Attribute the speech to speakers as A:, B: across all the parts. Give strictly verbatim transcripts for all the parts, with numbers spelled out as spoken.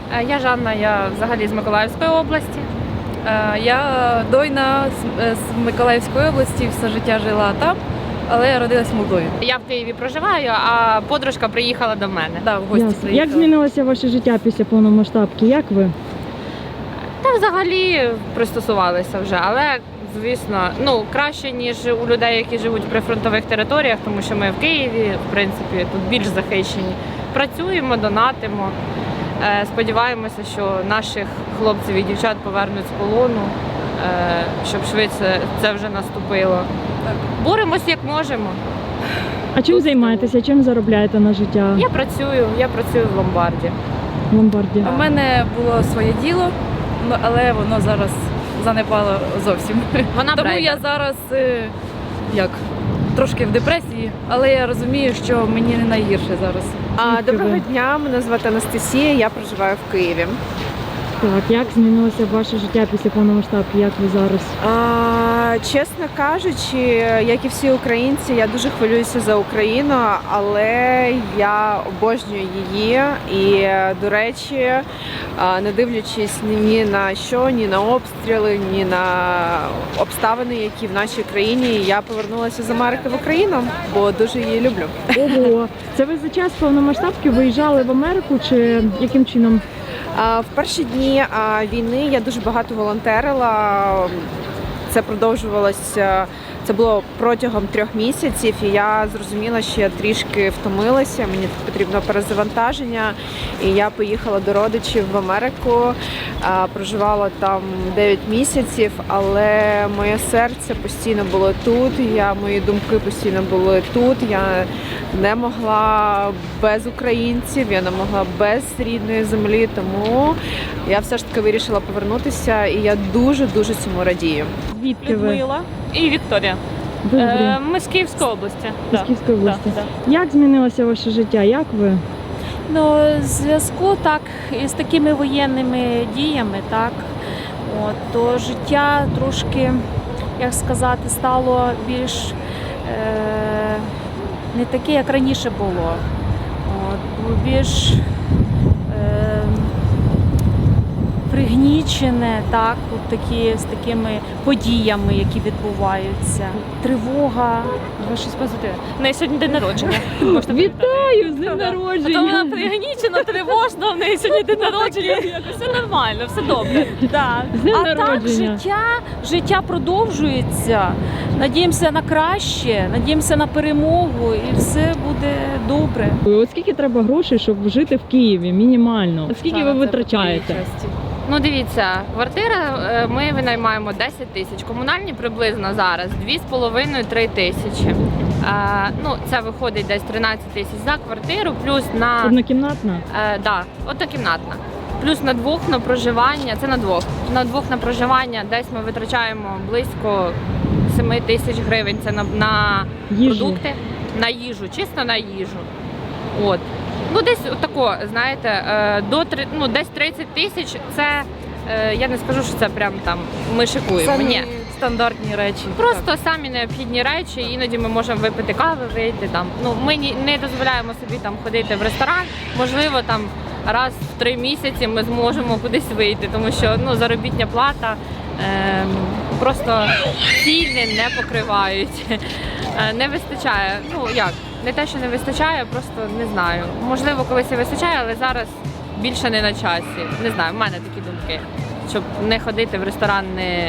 A: Е, Я Жанна, я взагалі з Миколаївської області.
B: Е, Я Дойна з- е, з Миколаївської області, все життя жила там, але я родилась в Молдові.
A: Я в Києві проживаю, а подружка приїхала до мене.
B: Да, в гості
C: Ясно. Як
B: приїхала.
C: змінилося ваше життя після повномасштабки? Як ви?
A: Та взагалі пристосувалися вже, але звісно, ну краще ніж у людей, які живуть в прифронтових територіях, тому що ми в Києві, в принципі, тут більш захищені. Працюємо, донатимо. Е, Сподіваємося, що наших хлопців і дівчат повернуть з полону, е, щоб швидше це вже наступило. Боремось як можемо.
C: А чим
A: Тут
C: займаєтеся? Чим заробляєте на життя
A: Я працюю, я працюю в ломбарді.
C: в ломбарді?
B: У мене було своє діло, ну, але воно зараз занепало зовсім.
A: Вона
B: Тому
A: брейдер.
B: я зараз е, як трошки в депресії, але я розумію, що мені не найгірше зараз.
D: А,
C: Звідки
D: Доброго
C: ви?
D: дня, мене звати Анастасія, я проживаю в Києві.
C: Так, як змінилося ваше життя після повномасштабки? Як ви зараз?
D: А, чесно кажучи, як і всі українці, я дуже хвилююся за Україну, але я обожнюю її. І, до речі, а, не дивлячись ні на що, ні на обстріли, ні на обставини, які в нашій країні, я повернулася з Америки в Україну, бо дуже її люблю.
C: Ого, це ви за час повномасштабки виїжджали в Америку чи яким чином?
D: А, В перші дні а, війни я дуже багато волонтерила. Це продовжувалося. Це було протягом трьох місяців, і я зрозуміла, що я трішки втомилася. Мені потрібно перезавантаження. І я поїхала до родичів в Америку, а, проживала там дев'ять місяців, але моє серце постійно було тут. Я мої думки постійно були тут. Я не могла без українців, я не могла без рідної землі. Тому я все ж таки вирішила повернутися, і я дуже дуже цьому радію.
C: Звідки ви?
E: Людмила і Вікторія.
C: Добре.
E: Е, Ми з Київської області.
C: З
E: Да.
C: Київської області.
E: Да, да.
C: Як змінилося ваше життя? Як ви?
E: Ну, в зв'язку так із такими воєнними діями, так, от, то життя трошки, як сказати, стало більш е, не таке, як раніше було. От, було більш е, пригнічене, так, от такі, з такими подіями, які відбуваються. Тривога.
A: Ви щось позитивне.
E: В неї сьогодні день народження. Можна
C: Вітаю з днем
E: А то вона
C: народження!
E: пригнічена, тривожна, в неї сьогодні день народження. Все нормально, все добре. Да.
C: З днем
E: А так
C: народження.
E: життя, життя продовжується. Надіємося на краще, надіємося на перемогу і все буде добре.
C: От скільки треба грошей, щоб жити в Києві мінімально? Скільки ви витрачаєте?
A: Ну дивіться, квартира е, ми винаймаємо десять тисяч, комунальні приблизно зараз дві з половиною - три тисячі. Е, ну, це виходить десь тринадцять тисяч за квартиру, плюс на
C: Однокімнатна?
A: е, да, однокімнатна. Плюс на двох на проживання, це на двох. На двох на проживання десь ми витрачаємо близько семи тисяч гривень. Це на, на
C: Їжу.
A: продукти, на їжу, чисто на їжу. От. Ну, десь отако, знаєте, е, до три- ну, десь тридцять тисяч це, е, я не скажу, що це прям там ми шикуємо.
B: Самі
A: Ні.
B: стандартні речі.
A: Просто самі необхідні речі, іноді ми можемо випити кави, вийти там. Ну, ми ні- не дозволяємо собі там ходити в ресторан. Можливо, там раз в три місяці ми зможемо кудись вийти, тому що ну, заробітня плата ем, просто ціни не покривають. Е, Не вистачає. Ну як? Не те, що не вистачає, просто не знаю. Можливо, колись і вистачає, але зараз більше не на часі. Не знаю, в мене такі думки. Щоб не ходити в ресторан, не,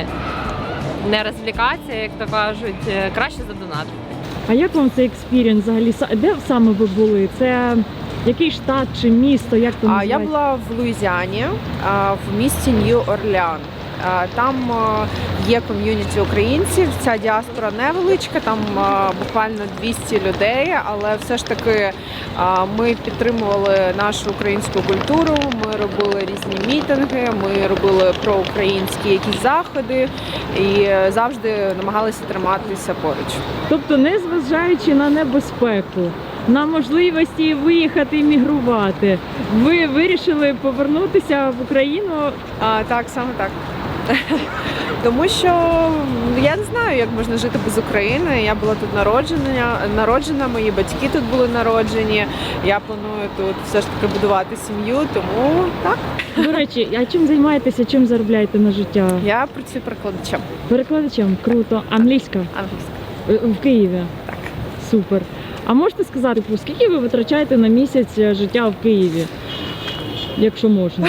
A: не розвлікатися, як то кажуть, е, краще задонатити.
C: А як вам цей експірієнс взагалі? Са- Де саме ви були? Це який штат чи місто? Як то
D: А
C: називається?
D: я була в Луїзіані, а, в місті Нью-Орлеан. А, Там а, є ком'юніті українців, ця діаспора невеличка, там а, буквально двісті людей, але все ж таки а, ми підтримували нашу українську культуру, ми робили різні мітинги, ми робили проукраїнські якісь заходи і завжди намагалися триматися поруч.
C: Тобто, не зважаючи на небезпеку, на можливості виїхати і мігрувати, ви вирішили повернутися в Україну.
D: А, Так, саме так. Тому що я не знаю, як можна жити без України. Я була тут народжена, народжена, мої батьки тут були народжені. Я планую тут все ж таки будувати сім'ю, тому так.
C: До речі, а чим займаєтеся, чим заробляєте на життя?
D: Я працюю перекладачем
C: Перекладачем, круто. Англійська?
D: англійською.
C: Е, В Києві?
D: Так.
C: Супер. А можете сказати, типу, скільки ви витрачаєте на місяць е, життя в Києві? Якщо можна.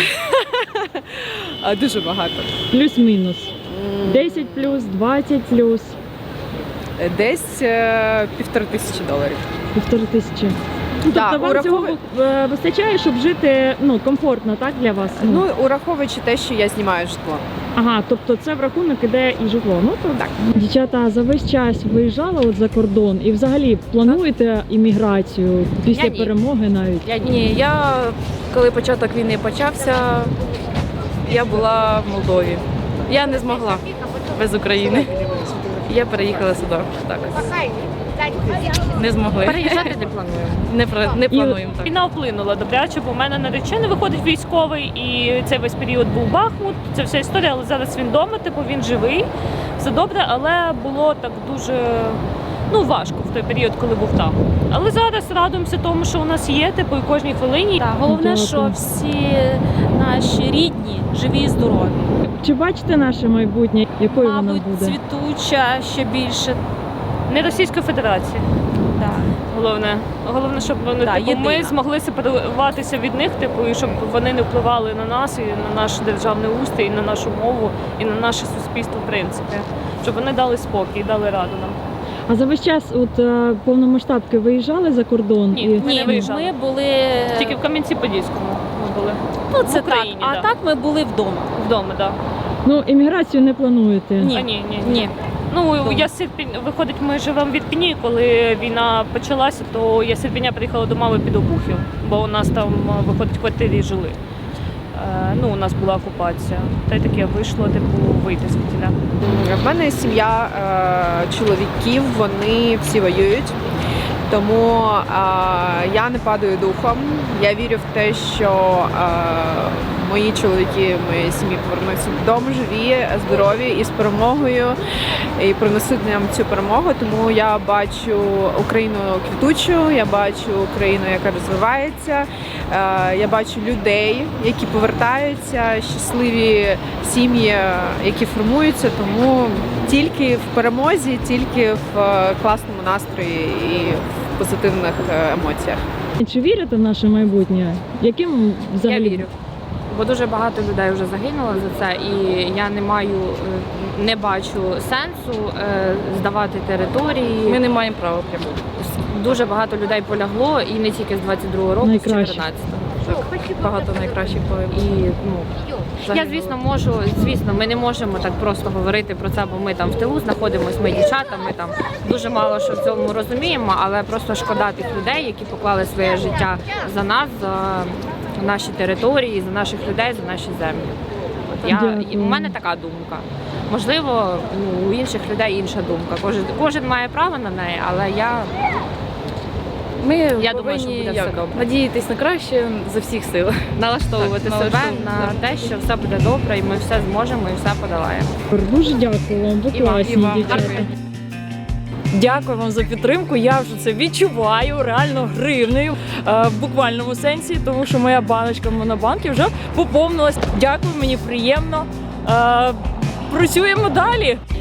D: А, дуже багато.
C: Плюс-мінус. десять плюс, двадцять плюс,
D: Десь е, півтори тисячі доларів.
C: півтори тисячі. Ну,
D: Да,
C: тобто вам цього
D: ураховуй-
C: е, вистачає, щоб жити ну, комфортно, так, для вас?
D: Ну, ураховуючи те, що я знімаю житло.
C: Ага, тобто це в рахунок іде і житло. Ну то
D: Так.
C: Дівчата, за весь час виїжджали от за кордон і взагалі плануєте імміграцію після
A: Я ні.
C: перемоги навіть?
A: Я ні.
B: Ні, я коли початок війни почався, я була в Молдові. Я не змогла без України. Я переїхала сюди. Так. Не змогли.
A: Переїжджати не плануємо.
B: Не, про- не плануємо так.
E: Війна вплинула добряче, бо в мене наречений виходить військовий, і цей весь період був Бахмут. Це вся історія, але зараз він вдома, типу він живий, все добре, але було так дуже ну, важко в той період, коли був там. Але зараз радуємося тому, що у нас є, типу, і кожній хвилині.
F: Так, головне,
C: Дякую.
F: що всі наші рідні живі і здорові.
C: Чи бачите наше майбутнє, якою воно
F: Мабуть,
C: буде?
F: цвітуча ще більше.
E: Не Російської Федерації.
F: Да.
E: Головне, головне, щоб вони
F: Да,
E: типу, ми
F: єдина.
E: змогли сепаруватися від них, типу, і щоб вони не впливали на нас і на наш державний устрій, і на нашу мову, і на наше суспільство, в принципі, щоб вони дали спокій, дали раду нам.
C: А за весь час от е, повномасштабки виїжджали за кордон?
E: Ні.
C: І...
E: Ми не
F: Ні,
E: виїжджали.
F: ми були
E: Тільки в Кам'янці-Подільському ми були.
F: ну, це
E: в Україні,
F: так. А
E: да.
F: так ми були вдома.
E: Вдома, так.
C: Ну, імміграцію не плануєте?
F: Ні.
E: А, ні, ні,
F: Ні.
E: Ну,
F: Вдома.
E: я з Ірпінь- виходить, ми живемо в Ірпіні, коли війна почалася, то я з Ірпіня приїхала до мами під Обухів, бо у нас там, виходить, в квартирі жили. Е, ну, у нас була окупація. Та й таке вийшло, типу, вийти звідтіля.
D: В мене сім'я е, чоловіків, вони всі воюють. Тому е, я не падаю духом. Я вірю в те, що е, мої чоловіки, мої сім'ї повернуться додому живі, здорові і з перемогою, і принесуть нам цю перемогу. Тому я бачу Україну квітучу, я бачу Україну, яка розвивається. Е, я бачу людей, які повертаються, щасливі сім'ї, які формуються. Тому тільки в перемозі, тільки в е, класному настрої і в позитивних е, емоціях.
C: Чи вірите в наше майбутнє? Яким взагалі?
A: Я вірю. Бо дуже багато людей вже загинуло за це, і я не маю, е, не бачу сенсу е, здавати території.
B: Ми не маємо права прямо.
A: Дуже багато людей полягло, і не тільки з двадцять другого року, з
C: Найкраще.
A: чотирнадцятого.
B: Багато найкращих
A: І
B: полегів.
A: ну я, звісно, можу, звісно, ми не можемо так просто говорити про це, бо ми там в тилу знаходимося, ми дівчата, ми там дуже мало що в цьому розуміємо, але просто шкода тих людей, які поклали своє життя за нас, за наші території, за наших людей, за наші землі. От я,
C: Дякую.
A: у мене така думка. Можливо, ну, у інших людей інша думка. Кожен, кожен має право на неї, але я
B: Ми
A: Я
B: повинні
A: думаю, що буде все
B: як,
A: добре.
B: надіятись на краще за всіх сил.
A: налаштовувати
B: Так,
A: себе
B: налаштовувати,
A: на те, що все буде добре, і ми все зможемо і все подолаємо.
C: Дуже дякую вам, ви
A: І вам,
C: класні
B: і вам.
C: дівчата.
A: Дякую.
B: Дякую вам за підтримку. Я вже це відчуваю реально гривнею е, в буквальному сенсі, тому що моя баночка в Монобанкі вже поповнилась. Дякую, мені приємно. Е, працюємо далі.